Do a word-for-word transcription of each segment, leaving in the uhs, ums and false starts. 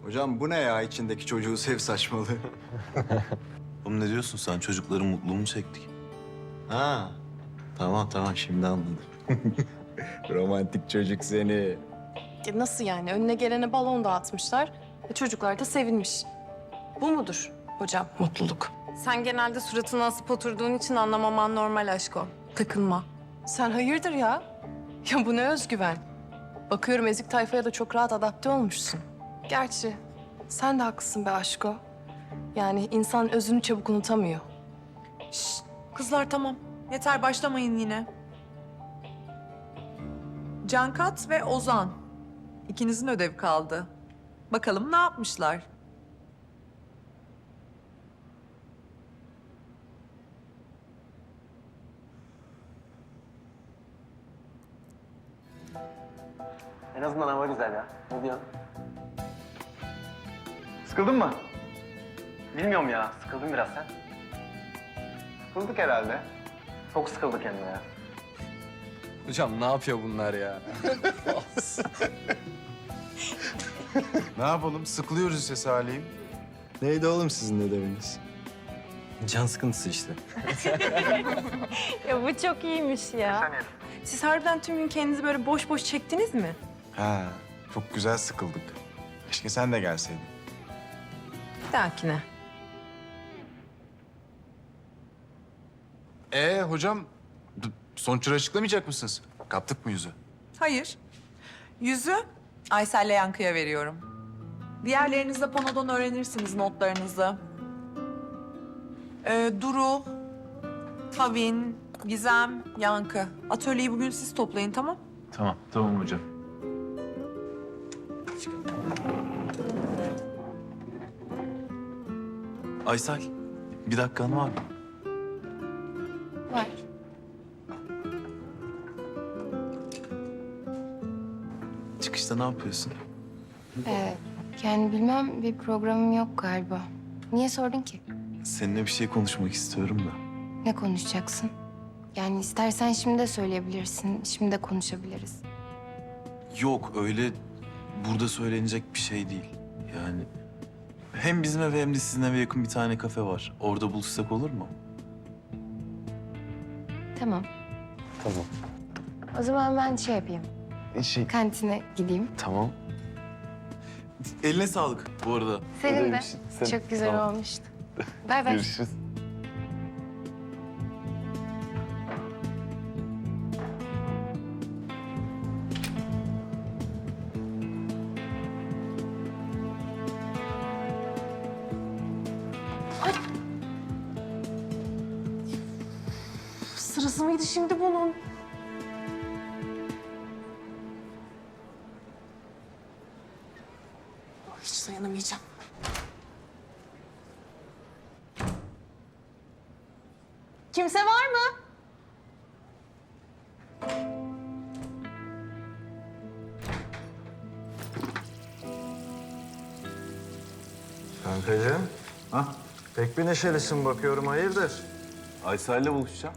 Hocam bu ne ya içindeki çocuğu sev saçmalığı? Oğlum ne diyorsun sen? Çocukların mutluluğunu çektik. Ha. Tamam tamam şimdi anladım. Romantik çocuk seni. Ya nasıl yani? Önüne gelene balon dağıtmışlar. E çocuklar da sevinmiş. Bu mudur hocam mutluluk? Sen genelde suratını asıp oturduğun için anlamaman normal aşko. Takılma. Sen hayırdır ya? Ya bu ne özgüven? Bakıyorum ezik tayfaya da çok rahat adapte olmuşsun. Gerçi sen de haklısın be aşko. Yani insan özünü çabuk unutamıyor. Şşt, kızlar tamam. Yeter başlamayın yine. Cankat ve Ozan. İkinizin ödev kaldı. Bakalım ne yapmışlar? En azından hava güzel ya. Ne diyorsun? Sıkıldın mı? Bilmiyorum ya. Sıkıldım biraz sen. Sıkıldık herhalde. Çok sıkıldık hem de ya. Hocam ne yapıyor bunlar ya? Ne yapalım? Sıkılıyoruz işte Salih'im. Neydi oğlum sizin ödeviniz? Can sıkıntısı işte. Ya bu çok iyiymiş ya. Siz harbiden tüm gün kendinizi böyle boş boş çektiniz mi? Ha, çok güzel sıkıldık. Keşke sen de gelseydin. Bir dahakine. Ee hocam, d- sonuçları açıklamayacak mısınız? Kaptık mı yüzü? Hayır. Yüzü Aysel'le Yankı'ya veriyorum. Diğerleriniz de panodan öğrenirsiniz notlarınızı. Ee, Duru, Tavin, Gizem, Yankı. Atölyeyi bugün siz toplayın, tamam? Tamam, tamam hocam. Aysel, bir dakikan var mı? Var. Çıkışta ne yapıyorsun? Ee, yani bilmem bir programım yok galiba. Niye sordun ki? Seninle bir şey konuşmak istiyorum da. Ne konuşacaksın? Yani istersen şimdi de söyleyebilirsin, şimdi de konuşabiliriz. Yok, öyle burada söylenecek bir şey değil. Yani hem bizim eve hem de sizin eve yakın bir tane kafe var. Orada buluşsak olur mu? Tamam. Tamam. O zaman ben şey yapayım, Şey, kantine gideyim. tamam. Eline sağlık bu arada. Senin de. Ödevmişsin. Sen- Çok güzel Tamam. olmuştu. Bay bay. Görüşürüz. Sırası mıydı şimdi bunun? Hiç dayanamayacağım. Kimse var mı? Kankacığım. Ha? Pek bir neşelisin bakıyorum hayırdır? Aysel'le buluşacağım.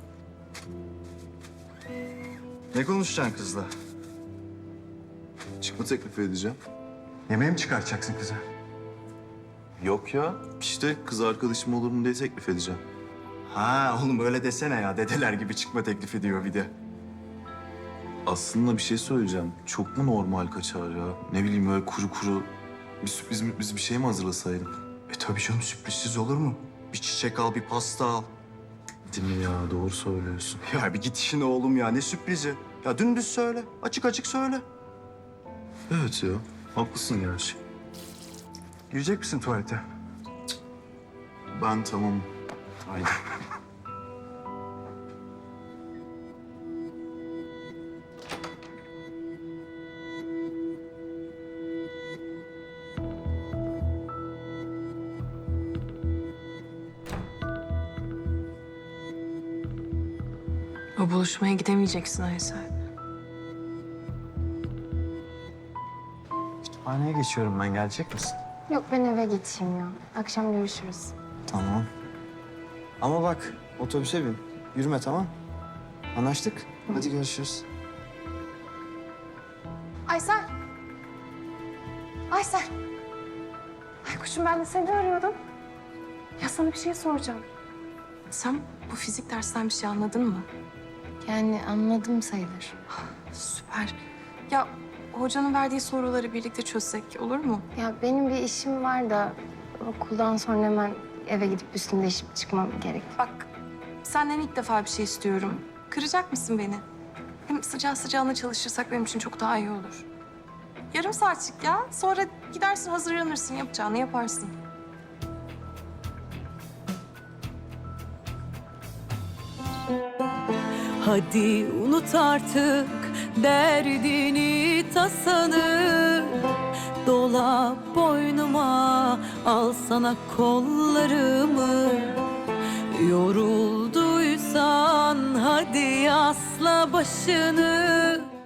Ne konuşacaksın kızla? Çıkma teklifi edeceğim. Yemeğe mi çıkartacaksın kızı? Yok ya. İşte kız arkadaşım olur mu diye teklif edeceğim. Ha oğlum öyle desene ya. Dedeler gibi çıkma teklifi diyor bir de. Aslında bir şey söyleyeceğim. Çok mu normal kaçar ya? Ne bileyim böyle kuru kuru bir sürpriz biz bir şey mi hazırlasaydım? E tabii canım sürprizsiz olur mu? Bir çiçek al, bir pasta al. Değil mi ya? Doğru söylüyorsun. Ya bir git işine oğlum ya. Ne sürprizi? Ya dümdüz söyle. Açık açık söyle. Evet ya. Haklısın gerçi. Girecek misin tuvalete? Ben tamam. Haydi. O buluşmaya gidemeyeceksin Aysel. Kütüphaneye geçiyorum ben. Gelecek misin? Yok ben eve geçeyim ya. Akşam görüşürüz. Tamam. Ama bak otobüse bin. Yürüme tamam. Anlaştık. Hadi görüşürüz. Aysel. Aysel. Betüş'üm ben de seni arıyordum. Ya sana bir şey soracağım. Sen bu fizik dersinden bir şey anladın mı? Yani anladım sayılır. Süper. Ya hocanın verdiği soruları birlikte çözsek olur mu? Ya benim bir işim var da okuldan sonra hemen eve gidip üstümü değişip çıkmam gerek. Bak senden ilk defa bir şey istiyorum. Kıracak mısın beni? Hem sıcağı sıcağına çalışırsak benim için çok daha iyi olur. Yarım saatlik ya. Sonra gidersin hazırlanırsın, yapacağını yaparsın. Hadi unut artık derdini tasanı. Dola boynuma, al sana kollarımı. Yorulduysan hadi asla başını.